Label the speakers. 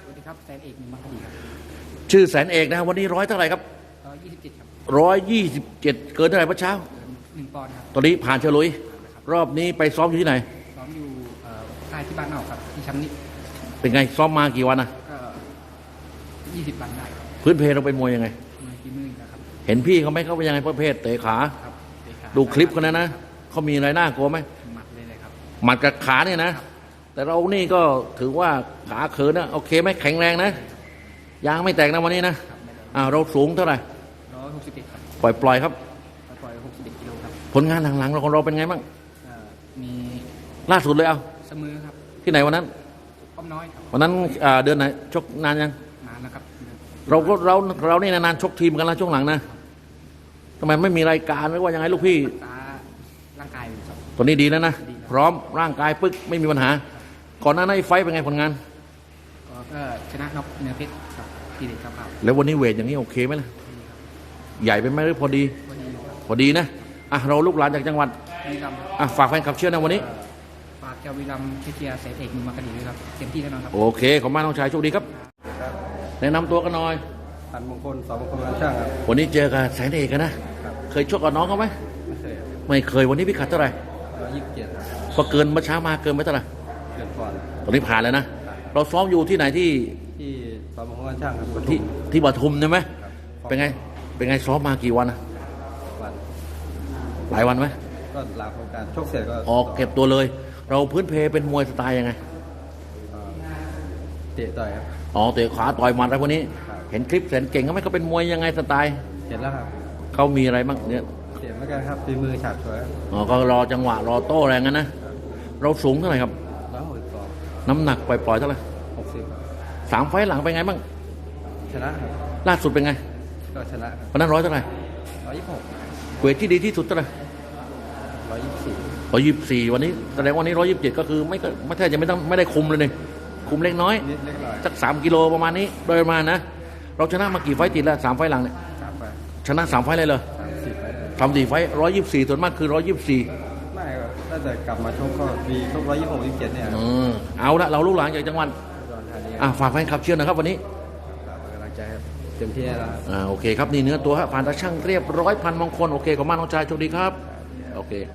Speaker 1: สวัสดีครับแสนเอกหนึ่งมัคคดีครับ
Speaker 2: ชื่อแสนเอกนะวันนี้ร้อยเท่าไหร่ครับ
Speaker 1: 127ครับ
Speaker 2: 127เกินเท่าไหร่เมื่อเช้า
Speaker 1: 1 ปอนด์ครับ
Speaker 2: ตอนนี้ผ่านเฉลุยรอบนี้ไปซ้อมอยู่ที่ไหน
Speaker 1: ซ้อมอยู่ค่ายที่บ้านนอกครับที่ช้ำนิ
Speaker 2: เป็นไงซ้อมมากี่วันนะ
Speaker 1: ก็20 วันได้ครับ
Speaker 2: พื้นเพเราเป็นมวยยังไง
Speaker 1: มวยฝีมือนะครับ
Speaker 2: เห็นพี่เขาไหมเขาเป็นยังไงประเภทเตะขา
Speaker 1: ครับเตะขา
Speaker 2: ดูคลิปกันนะเขามีอะไรน่ากลัวไหม
Speaker 1: หมัดเลยครับ
Speaker 2: หมัดกับขาเนี่ยนะแต่เรานี่ก็ถือว่าขาเขินนะโอเคไหมแข็งแรงนะยางไม่แตกนะวันนี้นะเราสูงเท่าไหร่
Speaker 1: 161ครับ
Speaker 2: ปล่อยครับ
Speaker 1: ปล่อย61 กิโลครับ
Speaker 2: ผลงานหลังๆเราของเราเป็นไงบ้าง
Speaker 1: มี
Speaker 2: ล่าสุดเลยเอา
Speaker 1: เสมอครับ
Speaker 2: ที่ไหนวันนั้น
Speaker 1: อ้อมน้อยครับ
Speaker 2: วันนั้นเดือนไหนชกนานยัง
Speaker 1: นานนะครับ
Speaker 2: เรานี่นานๆชกทีมกันแล้วช่วงหลังนะทำไมไม่มีรายการหรือว่ายังไงลูกพี่
Speaker 1: ร่างกายครับ
Speaker 2: ตอนนี้ดีแล้วนะพร้อมร่างกายปึ๊กไม่มีปัญหาก่อนหน้านั้นไฟเป็นไงผลงาน
Speaker 1: ก็ชนะน็อกเนื้อเพชรครับทีเด็ดครับ
Speaker 2: แล้ววันนี้เวทอย่างนี้โอเคไหมล่ะใหญ่ไปไหมหรือพอดีพอดีนะเราลูกหลานจากจังหวัด
Speaker 1: วีรัม
Speaker 2: ฝากแฟนคลับเชื่อนะวันนี้
Speaker 1: ฝากเจ้าวีรัมเชียร์แสนเอกหนึ่งมัคคดีด้วยครับเต็มที่แน่นอนครับ
Speaker 2: โอเคขอบคุณมากน้องชายโชคดีครับแนะนำตัวกันหน่อย
Speaker 3: พันมงคลสองมงคลร้านช่างครับ
Speaker 2: วันนี้เจอกับแสนเอกกันนะเคยชกกับน้องเขาไหมไม่เคยวันนี้พิกัดเท่าไหร่
Speaker 3: 127
Speaker 2: ก็เกินเมื่อเช้ามาเกินไปเท่าไหร่
Speaker 3: เกินก่อน
Speaker 2: ตอนนี้ผ่านแล้วนะเราซ้อมอยู่ที่ไหนที่
Speaker 3: สองมงคลร้านช่างครับ
Speaker 2: ที่ปทุมใช่ไหมเป็นไงซ้อมมากี่วันนะหลายวันไหม
Speaker 3: ก็หลังของการชกเสร็จก็
Speaker 2: ออกเก็บตัวเลยเราพื้นเพเป็นมวยสไตล์ยังไง
Speaker 3: เตะต่อยครับ
Speaker 2: เตะขาต่อยหมัดอะไรพวกนี้เห็นคลิปแสนเก่งเขาไหมเขาเป็นมวยยังไงสไตล์
Speaker 3: เห็นแล้วครับ
Speaker 2: เขามีอะไรบ้างเนี่ย
Speaker 3: เสียไม่กันครับตีมือฉาบฉวย
Speaker 2: ก็รอจังหวะรอโต้แรงกันนะเราสูงเท่าไหร่ครับ
Speaker 3: 162
Speaker 2: น้ำหนักปล่อยๆเท่าไหร่
Speaker 3: 60
Speaker 2: 3 ไฟล์หลังเป็นไงบ้าง
Speaker 3: ชนะครับ
Speaker 2: ล่าสุดเป็นไง
Speaker 3: ก็ชนะ
Speaker 2: วันนั้นเท่าไหร่
Speaker 3: 126
Speaker 2: เวทที่ดีที่สุดเท่าไหร่124วันนี้แสดงวันนี้127ก็คือไม่แทบจะไม่ได้คุมเลยนี่คุมเล็กน้อยสัก3 กิโลประมาณนี้โดยประมาณนะเราชนะมากี่ไฟติดแล้ว3 ไฟหลังเนี่ยชนะ3 ไฟเลยเลย3-4 ไฟ124ส่วนมากคือ124
Speaker 3: ไม่ครับถ้าจะกลับมาชกก็มีชก126 127เนี่ย
Speaker 2: เอาละเราลูกหลานจากจังหวัดฝากแฟนคลับเชียร์นะครับวันนี้
Speaker 3: กำลังใจเต็มที่แล้ว
Speaker 2: โอเคครับนี่เนื้อตัวผ่านตาช่างเรียบร้อยพันมงคลโอเคขอบคุณมากน้องชายโชคดีครับโอเค